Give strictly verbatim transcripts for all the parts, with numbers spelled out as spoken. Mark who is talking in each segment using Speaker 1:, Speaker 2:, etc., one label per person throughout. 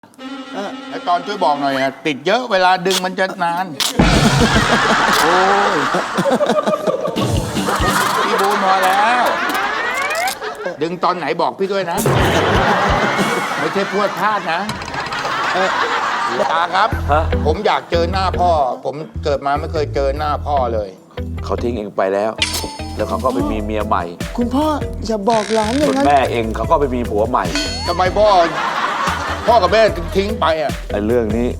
Speaker 1: แล้วตอนช่วยบอกหน่อยนะติดเยอะเวลาดึงมันจะนาน โอ้ยพี่บูนพอแล้ว ดึงตอนไหนบอกพี่ด้วยนะ ไม่ใช่พวดพลาดนะตาครับ ผมอยากเจอหน้าพ่อ ผมเกิดมาไม่เคยเจอหน้าพ่อเลย
Speaker 2: เขาทิ้งเองไปแล้ว แล้วเขาก็ไปมีเมียใหม่
Speaker 3: คุณพ่ออย่าบอกหลานอ
Speaker 2: ส่
Speaker 3: ย่า
Speaker 2: วน
Speaker 3: งนั้น
Speaker 2: แม่เองเขาก็ไปมีผัวใหม่
Speaker 1: ทำไมพ่อ พ่อกับแม่ถึงทิ้งไปอ่ะ
Speaker 2: ไอ้เรื่องนี้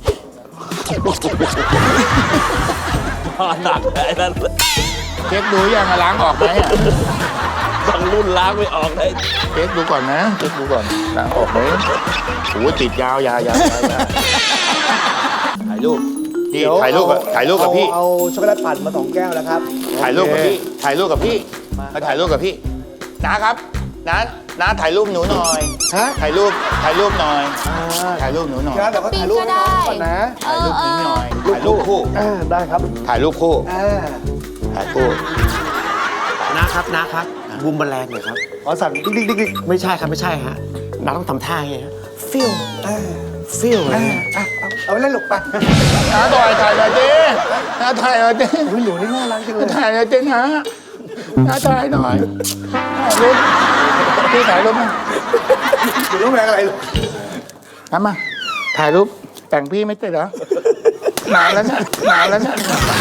Speaker 2: หนักไอ้นั่น
Speaker 1: เช็คดูยังล้างออกไหมอ่ะ
Speaker 2: บางรุ่นล้างไม่ออกเลย
Speaker 1: เช็คดูก่อนนะเช็คดูก่อนล้างออกไหมโอ้ติดยาวยาวยาวยาวยาวถ่ายรูปพี่ถ่ายรูปกับถ่ายรูปกับพี่
Speaker 3: เอาช็อกโกแลตปั่นมาสองแก้วแล้วครับ
Speaker 1: ถ่ายรูปกับพี่ ถ่ายรูปกับพี่มาถ่ายรูปกับพี่นะครับน้าน้าถ่ายรูปหนูหน่อย
Speaker 3: ฮะ
Speaker 1: ถ่ายรูป ถ่ายรูปหน่อย ถ่ายรูปหนูหน่อย
Speaker 3: ครับเดี๋ยวก็ถ่ายรูปให้น้องก่อนนะ
Speaker 1: ถ่ายรูปหนูหน่อย ถ่ายรูปคู่
Speaker 3: อ่าได้ครับ
Speaker 1: ถ่ายรูปคู่
Speaker 3: อ่า
Speaker 1: ถ่ายคู่
Speaker 4: นะครับนะครับบูมแมลงหน่อยครับ
Speaker 3: ขอสั่นดิ๊กดิ๊กดิ๊กดิ๊ก
Speaker 4: ไม่ใช่ครับไม่ใช่ฮะน้าต้องทำท่าไงฮะฟิล
Speaker 3: อ่า
Speaker 4: ฟิลเล
Speaker 3: อ่าย อ่ะเอาเอาไปเล่นหลบไป
Speaker 1: น้าถ่ายถ่ายหน่อยดิน้าถ่ายหน่อยดิ
Speaker 3: อุ๊ยหนูนี่น่ารักจังเลย
Speaker 1: ถ่ายหน่อยดินะน้าถ่ายหน่อยถ่ายรูปพี่ถ่ายรูปมา
Speaker 3: หนูต้องแรงอะไรลูก
Speaker 1: ทำมา ถ่ายรูป แต่งพี่ไม่ติดเหรอ นานแล้วนะนานแล้วนะ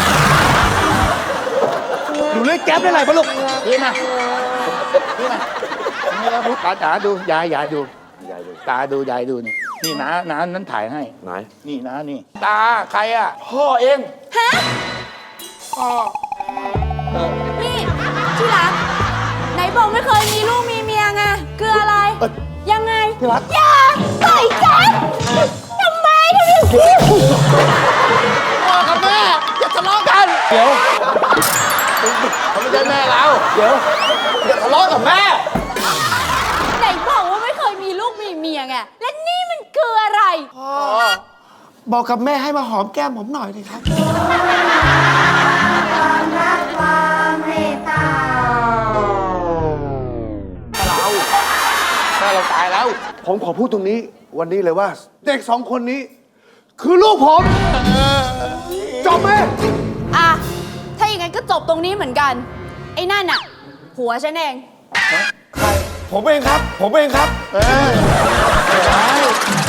Speaker 3: หนูเล่นแก๊ปได้ไรปะลูก
Speaker 1: พี่มา พี่มานี่แล้วตาตาดู ยายยายดู
Speaker 2: ยายดู
Speaker 1: ตาดู ยายดูนี่ นี่น้าน้านั้นถ่ายให้
Speaker 2: ไหน
Speaker 1: นี่น้านี่ ตาใครอ่ะ พ่อเอง
Speaker 5: ฮะ
Speaker 1: พ่อ
Speaker 5: นี่ที่รักไหนบอกไม่เคยมีลูกมีเมียไงคืออะไร ยังไง
Speaker 3: ที่รัก
Speaker 5: อย่าใส่กันทำไมทำไม
Speaker 1: พ่อกับแม่อย่าทะเลาะกัน เดี๋ยวเขาไม่ใช่แม่เรา
Speaker 3: เดี๋ยว
Speaker 1: อย่าทะเลาะกับแม่
Speaker 5: ไหนบอกว่าไม่เคยมีลูกมีเมียไงและนี่มันคืออะไร
Speaker 4: บอกกับแม่ให้มาหอมแก้มผมหน่อยเลยครับ
Speaker 1: เราแม่เราตายแล้ว
Speaker 3: ผมขอพูดตรงนี้วันนี้เลยว่า เด็กสองคนนี้ คือลูกผมจบไหม
Speaker 5: อ่ะ ถ้าอย่างนั้นก็จบตรงนี้เหมือนกัน ไอ้นั่นน่ะผัวฉันเอง
Speaker 3: ผมเองครับ ผมเองครับ
Speaker 1: เออไม่ใช่